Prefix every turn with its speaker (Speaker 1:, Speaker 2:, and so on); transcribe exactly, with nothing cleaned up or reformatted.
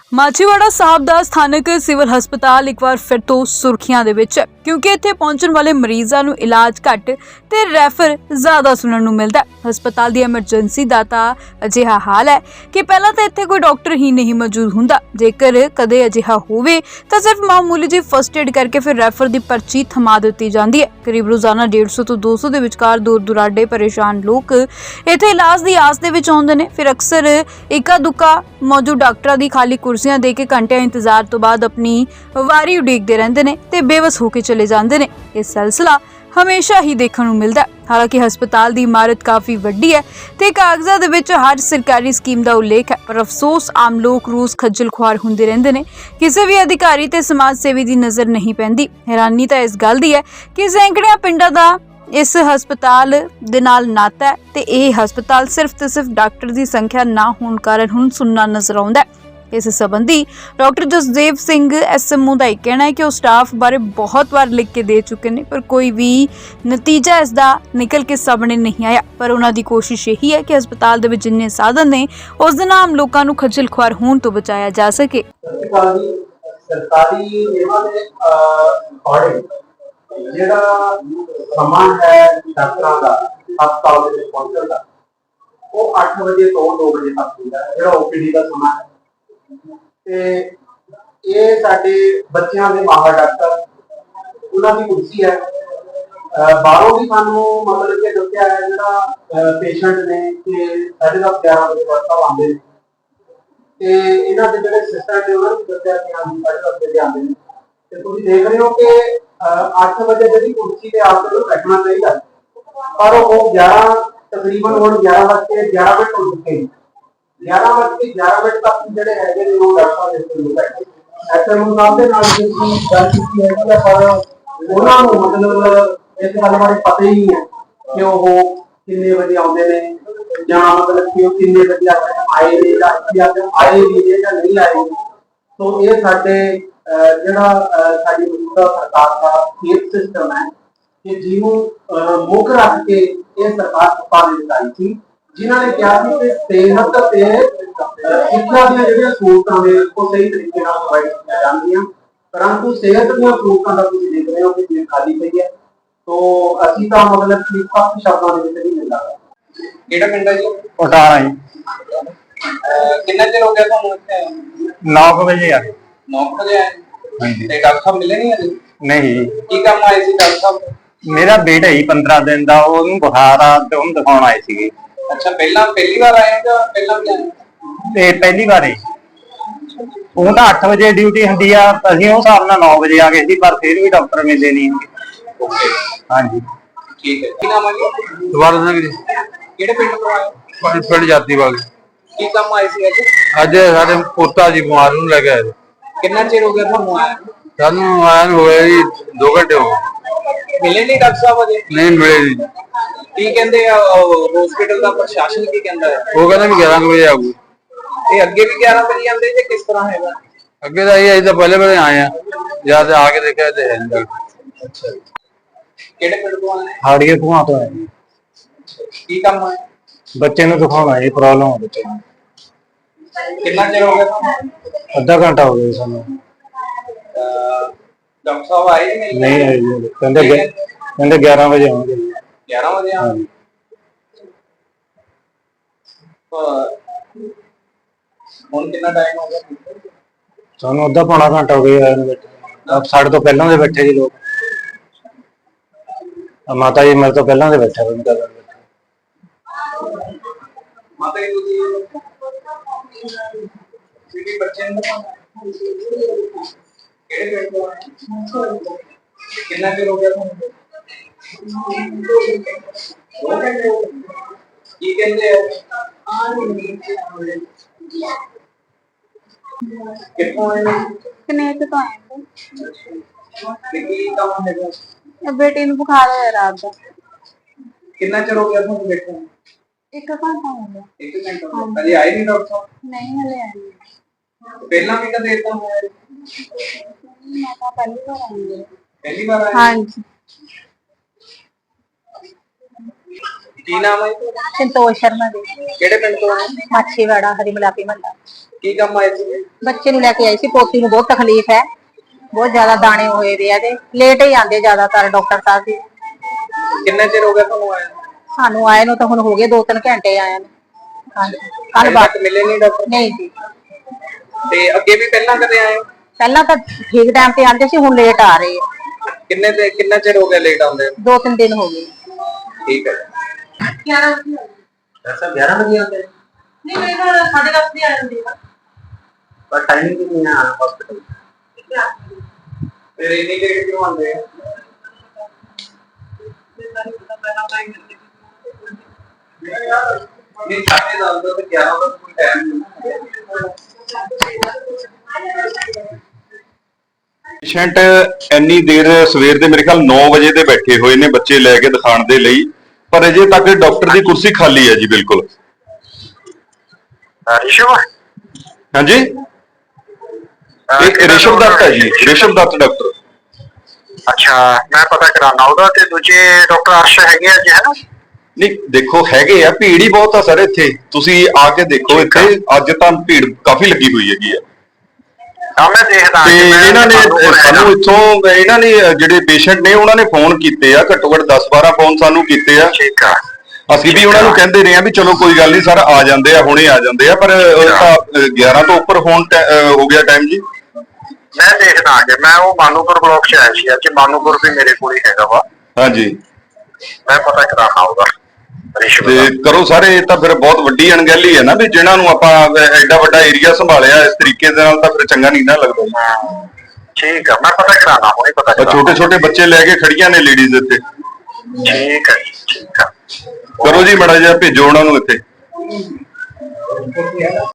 Speaker 1: ਮਾਛੀਵਾੜਾ ਸਾਹਿਬ ਦਾ ਸਥਾਨਕ ਸਿਵਲ ਹਸਪਤਾਲ ਇੱਕ ਵਾਰ ਫਿਰ ਤੋਂ ਸੁਰਖੀਆਂ ਦੇ ਵਿੱਚ ਹੈ ਕਿਉਂਕਿ ਇੱਥੇ ਪਹੁੰਚਣ ਵਾਲੇ ਮਰੀਜ਼ਾਂ ਨੂੰ ਇਲਾਜ ਘੱਟ ਤੇ ਰੈਫਰ ਜ਼ਿਆਦਾ ਸੁਣਨ ਨੂੰ ਮਿਲਦਾ ਹੈ। ਹਸਪਤਾਲ ਦੀ ਐਮਰਜੈਂਸੀ ਦਾ ਤਾਂ ਅਜਿਹਾ ਹਾਲ ਹੈ ਕਿ ਪਹਿਲਾਂ ਤਾਂ ਇੱਥੇ ਕੋਈ ਡਾਕਟਰ ਹੀ ਨਹੀਂ ਮੌਜੂਦ ਹੁੰਦਾ। ਜੇਕਰ ਕਦੇ ਅਜਿਹਾ ਹੋਵੇ ਤਾਂ ਸਿਰਫ ਮਾਮੂਲੀ ਜਿਹੀ ਫਸਟ ਏਡ ਕਰਕੇ ਫਿਰ ਰੈਫਰ ਦੀ ਪਰਚੀ ਥਮਾ ਦਿੱਤੀ ਜਾਂਦੀ ਹੈ। ਕਰੀਬ ਰੋਜ਼ਾਨਾ ਡੇਢ ਸੌ ਤੋਂ ਦੋ ਸੌ ਦੇ ਵਿਚਕਾਰ ਦੂਰ ਦੁਰਾਡੇ ਪਰੇਸ਼ਾਨ ਲੋਕ ਇੱਥੇ ਇਲਾਜ ਦੀ ਆਸ ਦੇ ਵਿੱਚ ਆਉਂਦੇ ਨੇ। ਫਿਰ ਅਕਸਰ ਇੱਕਾ ਦੁੱਕਾ ਮੌਜੂਦ ਡਾਕਟਰਾਂ ਦੀ ਖਾਲੀ ਕੁਰਸੀਆਂ ਦੇ ਕੇ ਘੰਟਿਆਂ ਇੰਤਜ਼ਾਰ ਤੋਂ ਬਾਅਦ ਆਪਣੀ ਵਾਰੀ ਉਡੀਕਦੇ ਰਹਿੰਦੇ ਨੇ ਤੇ ਬੇਵਸ ਹੋ ਕੇ ਚਲੇ ਜਾਂਦੇ ਨੇ। ਇਹ ਸਿਲਸਿਲਾ ਹਮੇਸ਼ਾ ਹੀ ਦੇਖਣ ਨੂੰ ਮਿਲਦਾ ਹੈ। ਹਾਲਾਂਕਿ ਹਸਪਤਾਲ ਦੀ ਇਮਾਰਤ ਕਾਫੀ ਵੱਡੀ ਹੈ ਤੇ ਕਾਗਜ਼ਾਂ ਦੇ ਵਿੱਚ ਹਰ ਸਰਕਾਰੀ ਸਕੀਮ ਦਾ ਉਲੇਖ ਹੈ, ਪਰ ਅਫਸੋਸ ਆਮ ਲੋਕ ਰੋਜ਼ ਖੱਜਲ ਖੁਆਰ ਹੁੰਦੇ ਰਹਿੰਦੇ ਨੇ। ਕਿਸੇ ਵੀ ਅਧਿਕਾਰੀ ਤੇ ਸਮਾਜ ਸੇਵੀ ਦੀ ਨਜ਼ਰ ਨਹੀਂ ਪੈਂਦੀ। ਹੈਰਾਨੀ ਤਾਂ ਇਸ ਗੱਲ ਦੀ ਹੈ ਕਿ ਸੈਂਕੜਿਆਂ ਪਿੰਡਾਂ ਦਾ ਇਸ ਹਸਪਤਾਲ ਦੇ ਨਾਲ ਨਾਤਾ ਹੈ ਤੇ ਇਹ ਹਸਪਤਾਲ ਸਿਰਫ ਤੇ ਸਿਰਫ ਡਾਕਟਰ ਦੀ ਸੰਖਿਆ ਨਾ ਹੋਣ ਕਾਰਨ ਹੁਣ ਸੁੰਨਾ ਨਜ਼ਰ ਆਉਂਦਾ ਹੈ। ਇਸ ਸੰਬੰਧੀ ਡਾਕਟਰ ਜਸਦੇਵ ਸਿੰਘ ਐਸਐਮਓ ਦਾ ਇਹ ਕਹਿਣਾ ਹੈ ਕਿ ਉਹ ਸਟਾਫ ਬਾਰੇ ਬਹੁਤ ਵਾਰ ਲਿਖ ਕੇ ਦੇ ਚੁੱਕੇ ਨੇ, ਪਰ ਕੋਈ ਵੀ ਨਤੀਜਾ ਇਸ ਦਾ ਨਿਕਲ ਕੇ ਸਾਹਮਣੇ ਨਹੀਂ ਆਇਆ। ਪਰ ਉਹਨਾਂ ਦੀ ਕੋਸ਼ਿਸ਼ ਇਹੀ ਹੈ ਕਿ ਹਸਪਤਾਲ ਦੇ ਵਿੱਚ ਜਿੰਨੇ ਸਾਧਨ ਨੇ ਉਸ ਦੇ ਨਾਲ ਆਮ ਲੋਕਾਂ ਨੂੰ ਖੱਜਲ ਖੁਆਰ ਹੋਣ ਤੋਂ ਬਚਾਇਆ ਜਾ ਸਕੇ।
Speaker 2: ਸਰਕਾਰੀ ਨਿਯਮਾਂ ਦੇ ਅਕੋਰਡਿੰਗ ਜਿਹੜਾ ਸਮਾਂ ਹੈ ਡਾਕਟਰਾਂ ਦਾ ਹਸਪਤਾਲ ਦੇ ਵਿੱਚ ਪਹੁੰਚਣ ਦਾ ਉਹ ਅੱਠ ਵਜੇ ਤੋਂ ਦੋ ਵਜੇ ਤੱਕ ਹੁੰਦਾ ਹੈ, ਜਿਹੜਾ ਓਪੀਡੀ ਦਾ ਸਮਾਂ ਹੈ। ਤੇ ਇਹ ਸਾਡੇ ਬੱਚਿਆਂ ਦੇ ਮਾਹਰ ਡਾਕਟਰ ਉਹਨਾਂ ਦੀ ਕੁਰਸੀ ਹੈ। ਬਾਹਰੋਂ ਵੀ ਸਾਨੂੰ ਮਤਲਬ ਕਿ ਦੱਸਿਆ ਹੈ ਜਿਹੜਾ ਪੇਸ਼ੈਂਟ ਨੇ ਕਿ ਸਾਢੇ ਦਸ ਗਿਆਰਾਂ ਵਜੇ ਤੱਕ ਆਉਂਦੇ ਨੇ ਤੇ ਇਹਨਾਂ ਦੇ ਜਿਹੜੇ ਸਿਸਟਰ ਨੇ ਉਹਨਾਂ ਨੂੰ ਦੱਸਿਆ ਕਿ ਹਾਂਜੀ ਸਾਢੇ ਦਸ ਵਜੇ ਆਉਂਦੇ ਨੇ। ਤੇ ਤੁਸੀਂ ਦੇਖ ਰਹੇ ਹੋ ਕਿ ਅੱਠ ਵਜੇ ਜਿਹੜੀ ਕੁਰਸੀ ਤੇ ਆਪ ਨੂੰ ਬੈਠਣਾ ਚਾਹੀਦਾ, ਪਰ ਉਹ ਗਿਆਰਾਂ ਤਕਰੀਬਨ ਹੁਣ ਗਿਆਰਾਂ ਵੱਜ ਕੇ ਗਿਆਰਾਂ ਮਿੰਟ ਹੋ ਚੁੱਕੇ ਨੇ। ਗਿਆਰਾਂ ਵੱਜ ਕੇ ਗਿਆਰਾਂ ਮਿੰਟ ਤੱਕ ਜਿਹੜੇ ਹੈਗੇ ਨੇ ਉਹ ਡਾਕਟਰਾਂ ਦੇ ਕੋਲ ਬੈਠੇ ਐਸਐਮਓ ਸਾਹਿਬ ਦੇ ਨਾਲ ਜਿਹੜੀ ਗੱਲ ਕੀਤੀ ਹੈ ਕਿ ਪਰ ਉਹਨਾਂ ਨੂੰ ਮਤਲਬ ਇਸ ਗੱਲ ਬਾਰੇ ਪਤਾ ਹੀ ਨਹੀਂ ਹੈ ਕਿ ਉਹ ਕਿੰਨੇ ਵਜੇ ਆਉਂਦੇ ਨੇ ਜਾਂ ਮਤਲਬ ਕਿ ਉਹ ਕਿੰਨੇ ਵਜੇ ਆਏ ਨੇ ਜਾਂ ਆਏ ਵੀ ਨੇ ਜਾਂ ਨਹੀਂ ਆਏ। ਸੋ ਇਹ ਸਾਡੇ ਜਿਹੜਾ ਸਾਡੀ ਮੌਜੂਦਾ ਸਰਕਾਰ ਦਾ ਸਿਹਤ ਸਿਸਟਮ ਹੈ ਕਿ ਜਿਹਨੂੰ ਮੁੱਖ ਰੱਖ ਕੇ ਇਹ ਸਰਕਾਰ ਸੱਤਾ ਦੇ ਵਿੱਚ ਆਈ ਸੀ, ਜਿਨ੍ਹਾਂ ਨੇ ਕਿਹਾ ਸੀ ਕਿ ਸਿਹਤ ਤੇ ਸਿੱਖਿਆ ਦੀਆਂ ਜਿਹੜੀਆਂ ਸਹੂਲਤਾਂ ਨੇ ਉਹ ਸਹੀ ਤਰੀਕੇ ਨਾਲ ਪ੍ਰੋਵਾਈਡ ਕੀਤੀਆਂ ਜਾਣਗੀਆਂ, ਪਰੰਤੂ ਸਿਹਤ ਦੀਆਂ ਸਹੂਲਤਾਂ ਦਾ ਤੁਸੀਂ ਦੇਖ ਰਹੇ ਹੋ ਕਿ ਜੇ ਖਾਲੀ ਪਈ ਹੈ। ਤੋ ਅਸੀਂ ਤਾਂ ਮਤਲਬ ਕਿ ਸਖਤ ਸ਼ਬਦਾਂ ਦੇ ਵਿੱਚ ਨਹੀਂ ਮਿਲਦਾ।
Speaker 3: ਕਿਹੜਾ ਪਿੰਡ ਹੈ ਜੀ?
Speaker 2: ਅਠਾਰਾਂ ਜੀ।
Speaker 3: ਕਿੰਨਾ ਚਿਰ ਹੋ ਗਿਆ ਤੁਹਾਨੂੰ ਇੱਥੇ?
Speaker 2: ਨੌ ਵਜੇ ਆ
Speaker 3: ਨੌ ਵਜੇ ਆਏ ਤੇ ਡਾਕਟਰ ਸਾਹਿਬ ਮਿਲੇ ਨਹੀਂ ਅਜੇ?
Speaker 2: ਨਹੀਂ।
Speaker 3: ਕੀ ਕੰਮ ਆਏ ਸੀ ਡਾਕਟਰ ਸਾਹਿਬ?
Speaker 2: ਮੇਰਾ ਬੇਟਾ ਹੀ ਪੰਦਰਾਂ ਦਿਨ ਦਾ, ਉਹਨੂੰ ਬੁਖਾਰ ਆ ਤੇ ਉਹਨੂੰ ਦਿਖਾਉਣ ਆਏ ਸੀਗੇ।
Speaker 3: ਅੱਛਾ, ਪਹਿਲਾਂ ਪਹਿਲੀ ਵਾਰ ਆਏ ਜਾਂ ਪਹਿਲਾਂ ਵੀ ਆਏ?
Speaker 2: ਤੇ ਪਹਿਲੀ ਵਾਰ ਹੀ। ਉਹ ਤਾਂ ਅੱਠ ਵਜੇ ਡਿਊਟੀ ਹੁੰਦੀ ਆ, ਅਸੀਂ ਉਹ ਹਿਸਾਬ ਨਾਲ ਨੌ ਵਜੇ ਆ ਗਏ ਸੀ, ਪਰ ਫਿਰ ਵੀ ਡਾਕਟਰ ਮਿਲੇ ਨਹੀਂ।
Speaker 3: ਓਕੇ,
Speaker 2: ਹਾਂਜੀ
Speaker 3: ਠੀਕ ਹੈ। ਕੀ ਨਾਮ ਹੈ ਜੀ?
Speaker 2: ਦਵਾਰ ਸਿੰਘ ਜੀ।
Speaker 3: ਕਿਹੜੇ ਪਿੰਡ ਤੋਂ ਆਏ?
Speaker 2: ਪਿੰਡ ਜਾਤੀਵਾਲ।
Speaker 3: ਕੀ ਕੰਮ ਆਏ ਸੀ ਅੱਜ?
Speaker 2: ਅੱਜ ਸਾਡੇ ਪੋਤਾ ਜੀ ਬਿਮਾਰ ਨੂੰ ਲੈ ਕੇ ਆਏ।
Speaker 3: ਕਿੰਨਾ ਚਿਰ ਹੋ ਗਿਆ ਤੁਹਾਨੂੰ ਆਇਆ?
Speaker 2: ਸਾਨੂੰ ਆਇਆ ਨੂੰ ਹੋਇਆ ਜੀ ਦੋ ਘੰਟੇ ਹੋ ਗਏ।
Speaker 3: ਮਿਲੇ ਨਹੀਂ ਡਾਕਟਰ ਸਾਹਿਬ ਅਜੇ?
Speaker 2: ਨਹੀਂ ਮਿਲੇ ਜੀ।
Speaker 3: ਕੀ ਕਹਿੰਦੇ ਆ ਹਸਪੀਟਲ ਦਾ ਪ੍ਰਸ਼ਾਸਨ, ਕੀ ਕਹਿੰਦਾ ਹੈ?
Speaker 2: ਉਹ ਕਹਿੰਦਾ ਵੀ ਗਿਆਰਾਂ ਵਜੇ ਆਊਗੀ।
Speaker 3: ਇਹ ਅੱਗੇ ਵੀ ਗਿਆਰਾਂ ਵਜੇ ਆਉਂਦੇ ਜਾਂ ਕਿਸ ਤਰ੍ਹਾਂ ਹੈਗਾ?
Speaker 2: ਅੱਗੇ ਤਾਂ ਇਹ ਅਸੀਂ ਤਾਂ ਪਹਿਲੇ ਵੇਲੇ ਆਏ ਆ, ਜਦ ਆ ਕੇ ਦੇਖਿਆ ਤੇ ਹੈ ਨਹੀਂ।
Speaker 3: ਅੱਛਾ, ਕਿਹੜੇ ਪਿੰਡ ਤੋਂ ਆਏ?
Speaker 2: ਹਾੜੀਏ ਧੂਆਂ ਤੋਂ ਆਏ।
Speaker 3: ਕੀ ਕੰਮ ਹੈ?
Speaker 2: ਬੱਚੇ ਨੂੰ ਦਿਖਾਉਣਾ ਜੀ, ਪ੍ਰੋਬਲਮ ਹੋ ਬੱਚੇ ਨੂੰ।
Speaker 3: ਕਿੰਨਾ ਚਿਰ ਹੋ ਗਿਆ ਤੁਹਾਨੂੰ?
Speaker 2: ਅੱਧਾ ਘੰਟਾ ਹੋ ਗਿਆ ਸਾਨੂੰ।
Speaker 3: ਡਾਕਟਰ ਸਾਹਿਬ ਆਏ ਨਹੀਂ?
Speaker 2: ਨਹੀਂ ਆਏ ਜੀ, ਕਹਿੰਦੇ ਕਹਿੰਦੇ ਗਿਆਰਾਂ ਵਜੇ ਆਉਣਗੇ।
Speaker 3: ਗਿਆਰਾਂ ਵਜੇ ਆਉਣਗੇ। ਹੁਣ ਕਿੰਨਾ ਟਾਈਮ ਹੋ ਗਿਆ
Speaker 2: ਸਾਨੂੰ? ਅੱਧਾ ਪੌਣਾ ਘੰਟਾ ਹੋ ਗਿਆ ਆਏ ਨੂੰ ਬੈਠੇ। ਸਾਡੇ ਤੋਂ ਪਹਿਲਾਂ ਦੇ ਬੈਠੇ ਜੀ ਲੋਕ। ਮਾਤਾ ਜੀ ਮੇਰੇ ਤੋਂ ਪਹਿਲਾਂ ਦੇ ਬੈਠੇ ਹੋਏ ਨੇ।
Speaker 3: ਮਾਤਾ ਜੀ ਤੁਸੀਂ ਸਿਟੀ ਬੱਚੇ ਨੂੰ ਕਿਹੜੇ ਪਿੰਡ ਤੋਂ ਆਏ? ਕਿੰਨਾ ਚਿਰ ਹੋ ਗਿਆ ਤੁਹਾਨੂੰ? ਕੀ ਕਹਿੰਦੇ ਆ? ਕਿੱਥੋਂ ਆਏ?
Speaker 4: ਕਨੇਡਾ ਤੋਂ ਆਏ
Speaker 3: ਤੇ ਕੀ ਕੰਮ ਹੈਗਾ?
Speaker 4: ਹਾਂ। ਬੇਟੀ ਨੂੰ ਬੁਖਾਰ ਹੋਇਆ ਰਾਤ ਦਾ।
Speaker 3: ਕਿੰਨਾ ਚਿਰ ਹੋ ਗਿਆ ਤੁਹਾਨੂੰ ਬੈਠੇ ਨੂੰ?
Speaker 4: ਇੱਕ ਘੰਟਾ ਹੋ ਗਿਆ।
Speaker 3: ਇੱਕ ਘੰਟਾ? ਅਜੇ ਆਏ ਨਹੀਂ ਡਾਕਟਰ ਸਾਹਿਬ?
Speaker 4: ਨਹੀਂ ਹਲੇ ਆਏ।
Speaker 3: ਪਹਿਲਾਂ ਵੀ ਕਦੇ ਏਦਾਂ ਹੋਇਆ?
Speaker 4: ਮੈਂ ਤਾਂ ਪਹਿਲੀ ਵਾਰ ਆਈ ਹਾਂ।
Speaker 3: ਪਹਿਲੀ ਵਾਰ ਆਏ?
Speaker 4: ਹਾਂਜੀ।
Speaker 3: ਕੀ ਨਾਮ ਹੈ ਤੁਹਾਡਾ?
Speaker 4: ਸੰਤੋਸ਼ ਸ਼ਰਮਾ ਦੇ
Speaker 3: ਕਿਹੜੇ ਪਿੰਡ ਤੋਂ ਆਏ?
Speaker 4: ਮਾਛੀਵਾੜਾ ਹਰੀ ਮਲਾਪੀ ਮਹੱਲਾ।
Speaker 3: ਕੀ ਕੰਮ ਆਏ ਸੀ?
Speaker 4: ਬੱਚੇ ਨੂੰ ਲੈ ਕੇ ਆਈ ਸੀ, ਪੋਤੀ ਨੂੰ ਬਹੁਤ ਤਕਲੀਫ ਹੈ, ਬਹੁਤ ਜ਼ਿਆਦਾ ਦਾਣੇ ਹੋਏ ਵੇ ਆ ਤੇ ਲੇਟ ਹੀ ਆਉਂਦੇ ਜ਼ਿਆਦਾਤਰ ਡਾਕਟਰ ਸਾਹਿਬ ਜੀ।
Speaker 3: ਕਿੰਨੇ ਚਿਰ ਹੋ ਗਿਆ ਤੁਹਾਨੂੰ ਆਏ?
Speaker 4: ਸਾਨੂੰ ਆਏ ਨੂੰ ਤਾਂ ਹੁਣ ਹੋ ਗਏ ਦੋ ਤਿੰਨ ਘੰਟੇ ਆਏ ਨੂੰ। ਹਾਂਜੀ ਕੱਲ
Speaker 3: ਹਜੇ
Speaker 4: ਬਾਅਦ
Speaker 3: ਤੱਕ ਮਿਲੇ ਨਹੀਂ ਡਾਕਟਰ?
Speaker 4: ਨਹੀਂ ਜੀ,
Speaker 3: ਤੇ ਅੱਗੇ ਵੀ ਪਹਿਲਾਂ ਕਦੇ ਆਏ ਹੋ?
Speaker 4: ਪਹਿਲਾਂ ਤਾਂ ਠੀਕ ਟਾਈਮ ਤੇ ਆਉਂਦੇ ਸੀ, ਹੁਣ ਲੇਟ ਆ ਰਹੇ ਆ।
Speaker 3: ਕਿੰਨੇ ਤੇ ਕਿੰਨਾ ਚਿਰ ਹੋ ਗਿਆ ਲੇਟ ਆਉਂਦੇ?
Speaker 4: ਦੋ ਤਿੰਨ ਦਿਨ ਹੋ ਗਏ।
Speaker 3: ਠੀਕ ਹੈ।
Speaker 2: ऐसा ग्यारह बजे आते हैं
Speaker 4: ਨਹੀਂ ਮੇਰੇ ਨਾਲ ਸਾਢੇ ਦਸ ਵਜੇ ਆ ਜਾਂਦੇ ਆ।
Speaker 2: पर टाइमिंग भी नहीं है हॉस्पिटल
Speaker 3: ਫਿਰ ਇੰਨੀ ਲੇਟ ਕਿਉਂ ਆਉਂਦੇ ਆ? ਨਹੀਂ ਸਾਡੇ ਨਾਲ ਤਾਂ ਗਿਆਰਾਂ ਦਾ ਕੋਈ ਟਾਈਮ ਨਹੀਂ।
Speaker 5: ਪੇਸ਼ੈਂਟ ਇੰਨੀ ਦੇਰ ਸਵੇਰ ਦੇ ਮੇਰੇ ਖਿਆਲ ਨੌ ਵਜੇ ਦੇ ਬੈਠੇ ਹੋਏ ਨੇ ਬੱਚੇ ਲੈ ਕੇ ਦਿਖਾਉਣ ਦੇ ਲਈ, ਪਰ ਅਜੇ ਤੱਕ ਡਾਕਟਰ ਦੀ ਕੁਰਸੀ ਖਾਲੀ ਹੈ ਜੀ ਬਿਲਕੁਲ।
Speaker 6: ਰਿਸ਼ਵ
Speaker 5: ਹਾਂਜੀ, ਇਹ ਰਿਸ਼ਵ ਦੱਤ ਹੈ ਜੀ, ਰਿਸ਼ਵ ਦੱਤ ਡਾਕਟਰ।
Speaker 6: ਅੱਛਾ, ਮੈਂ ਪਤਾ ਕਰਾਉਣਾ ਉਹਦਾ। ਤੇ ਦੂਜੇ ਡਾਕਟਰ ਅਰਸ਼ ਹੈਗੇ ਆ ਜੀ, ਹੈ ਨਾ?
Speaker 5: ਨਹੀਂ ਦੇਖੋ ਹੈਗੇ ਆ, ਭੀੜ ਹੀ ਬਹੁਤ ਆ ਸਰ ਇੱਥੇ, ਤੁਸੀਂ ਆ ਕੇ ਦੇਖੋ ਇੱਥੇ ਅੱਜ ਤਾਂ ਭੀੜ ਕਾਫੀ ਲੱਗੀ ਹੋਈ ਹੈਗੀ ਆ।
Speaker 6: ਹਾਂ ਮੈਂ ਦੇਖਦਾ
Speaker 5: ਤੇ
Speaker 6: ਜੀ, ਮੈਂ
Speaker 5: ਇਹਨਾਂ ਨੇ
Speaker 6: ਤੁਹਾਨੂੰ ਕੋਲ
Speaker 5: ਸਾਨੂੰ
Speaker 6: ਹੈਗਾ।
Speaker 5: ਇੱਥੋਂ ਇਹਨਾਂ ਨੇ ਜਿਹੜੇ ਪੇਸ਼ੈਂਟ ਨੇ ਉਹਨਾਂ ਨੇ ਫੋਨ ਕੀਤੇ ਆ, ਘੱਟੋ ਘੱਟ ਦਸ ਬਾਰਾਂ ਫੋਨ ਸਾਨੂੰ ਕੀਤੇ ਆ।
Speaker 6: ਠੀਕ ਆ।
Speaker 5: ਅਸੀਂ ਵੀ ਉਹਨਾਂ ਨੂੰ ਕਹਿੰਦੇ ਰਹੇ ਆ ਵੀ ਚਲੋ ਕੋਈ ਗੱਲ ਨਹੀਂ ਸਰ, ਆ ਜਾਂਦੇ ਆ, ਹੁਣੇ ਆ ਜਾਂਦੇ ਆ, ਪਰ ਉਹ ਤਾਂ ਗਿਆਰਾਂ ਤੋਂ ਉੱਪਰ ਫੋਨ ਹੋ ਗਿਆ ਟਾਈਮ ਜੀ।
Speaker 6: ਮੈਂ ਦੇਖਦਾ ਆ ਕੇ, ਮੈਂ ਉਹ ਮਾਨੂਪੁਰ ਬਲਾਕ ਚ ਆਇਆ ਸੀ ਅੱਜ। ਮਾਨੂਪੁਰ ਵੀ ਮੇਰੇ ਕੋਲ ਹੀ ਹੈਗਾ ਵਾ।
Speaker 5: ਹਾਂਜੀ,
Speaker 6: ਮੈਂ ਪਤਾ ਕਰਾਉਣਾ ਉਹਦਾ ਰਿਸ਼ਵ
Speaker 5: ਤੇ
Speaker 6: ਦਾ।
Speaker 5: ਕਰੋ ਸਾਰੇ। ਇਹ ਤਾਂ ਫਿਰ ਬਹੁਤ ਵੱਡੀ ਅਣਗਹਿਲੀ ਹੈ ਨਾ ਵੀ ਜਿਹਨਾਂ ਨੂੰ ਆਪਾਂ ਐਡਾ ਵੱਡਾ ਏਰੀਆ ਸੰਭਾਲਿਆ ਇਸ ਤਰੀਕੇ ਦੇ ਨਾਲ, ਤਾਂ ਫਿਰ ਚੰਗਾ ਨਹੀਂ ਨਾ ਲੱਗਦਾ।
Speaker 6: ਹਾਂ, ਠੀਕ ਆ, ਮੈਂ ਪਤਾ ਕਰਾਉਣਾ ਹੁਣੇ ਪਤਾ ਕਰਾਉਣਾ।
Speaker 5: ਛੋਟੇ ਛੋਟੇ ਬੱਚੇ ਲੈ ਕੇ ਖੜੀਆਂ ਨੇ ਲੇਡੀਜ਼ ਇੱਥੇ।
Speaker 6: ਠੀਕ ਹੈ ਜੀ, ਠੀਕ ਆ।
Speaker 5: ਕਰੋ ਜੀ ਮਾੜਾ ਜਿਹਾ ਭੇਜੋ ਉਹਨਾਂ ਨੂੰ ਇੱਥੇ।